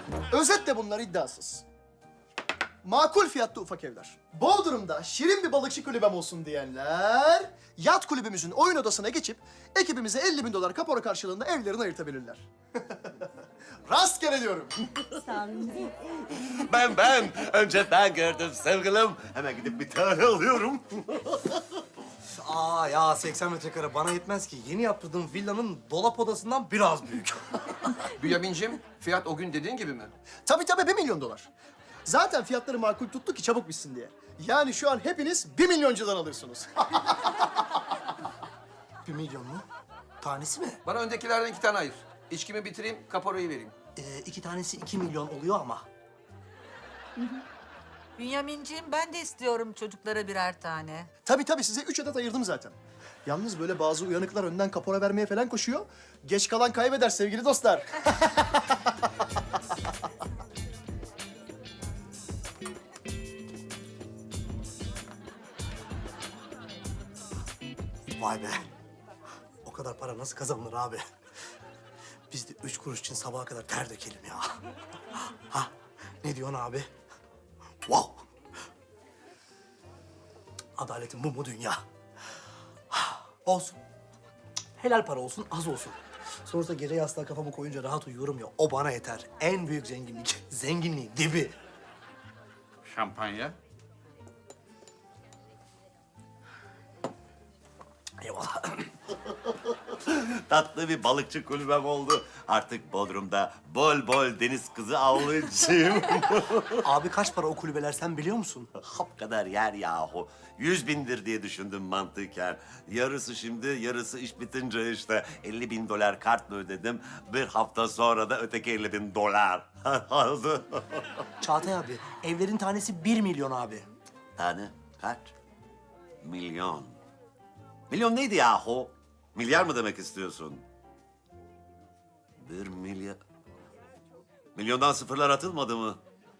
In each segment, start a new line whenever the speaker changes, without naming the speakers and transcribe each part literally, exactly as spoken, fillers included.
Özetle bunlar iddiasız. Makul fiyatlı ufak evler. Bodrum'da şirin bir balıkçı kulübem olsun diyenler... ...yat kulübümüzün oyun odasına geçip... ...ekibimize elli bin dolar kapora karşılığında evlerini ayırtabilirler. Rastgele diyorum.
Sağ olun.
Ben ben. Önce ben gördüm sevgilim. Hemen gidip bir tane alıyorum.
Aa ya seksen metrekare bana yetmez ki. Yeni yaptırdığım villanın dolap odasından biraz büyük.
Bünyamin'cim, fiyat o gün dediğin gibi mi?
Tabii tabii bir milyon dolar. Zaten fiyatları makul tuttu ki çabuk bitsin diye. Yani şu an hepiniz bir milyoncudan alırsınız.
Bir milyon mu? Tanesi mi?
Bana öndekilerden iki tane ayır. İçkimi bitireyim, kaporayı vereyim.
Ee, iki tanesi iki milyon oluyor ama.
Bünyamin'ciğim ben de istiyorum çocuklara birer tane.
Tabii tabii size üç adet ayırdım zaten. Yalnız böyle bazı uyanıklar önden kapora vermeye falan koşuyor. Geç kalan kaybeder sevgili dostlar.
Vay be. O kadar para nasıl kazanılır abi? Biz de üç kuruş için sabaha kadar ter dökelim ya. Ha? Ne diyorsun abi? Wow. Adaletin bu mu dünya? Olsun. Helal para olsun, az olsun. Sonrasında gece yastığa kafamı koyunca rahat uyuyorum ya. O bana yeter. En büyük zenginlik. Zenginliğin dibi.
Şampanya.
Eyvallah.
Tatlı bir balıkçı kulübem oldu. Artık Bodrum'da bol bol deniz kızı avlayacağım.
Abi kaç para o kulübeler sen biliyor musun?
Hap kadar yer yahu. Yüz bindir diye düşündüm mantıken. Yarısı şimdi, yarısı iş bitince işte. elli bin dolar kartla ödedim. Bir hafta sonra da öteki elli bin dolar. Aldı.
Çağatay abi, evlerin tanesi bir milyon abi.
Tane kaç? Milyon. Milyon neydi yahu? Milyar mı demek istiyorsun? Bir milyar... Milyondan sıfırlar atılmadı mı?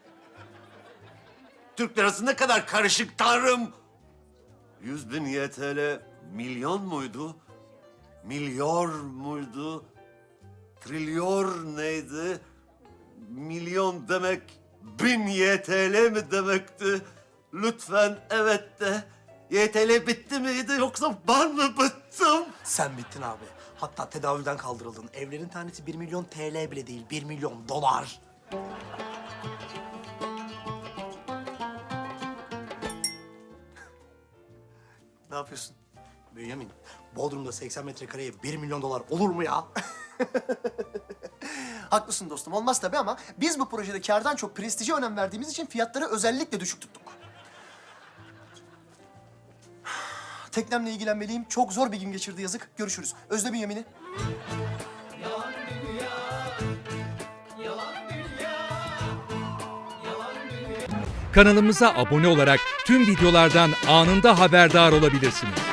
Türk lirası ne kadar karışık tanrım! Yüz bin Y T L milyon muydu? Milyor muydu? Trilyor neydi? Milyon demek bin Y T L mi demekti? Lütfen evet de. Y T L bitti miydi yoksa ben mi bittim?
Sen bittin abi. Hatta tedavülden kaldırıldın. Evlerin tanesi bir milyon T L bile değil, bir milyon dolar.
Ne yapıyorsun?
Bünyamin, Bodrum'da seksen metrekareye bir milyon dolar olur mu ya?
Haklısın dostum, olmaz tabii ama biz bu projede kârdan çok prestije önem verdiğimiz için fiyatları özellikle düşük tuttuk. Teknemle ilgilenmeliyim. Çok zor bir gün geçirdi yazık. Görüşürüz. Özle Bünyamin'i.
Kanalımıza abone olarak tüm videolardan anında haberdar olabilirsiniz.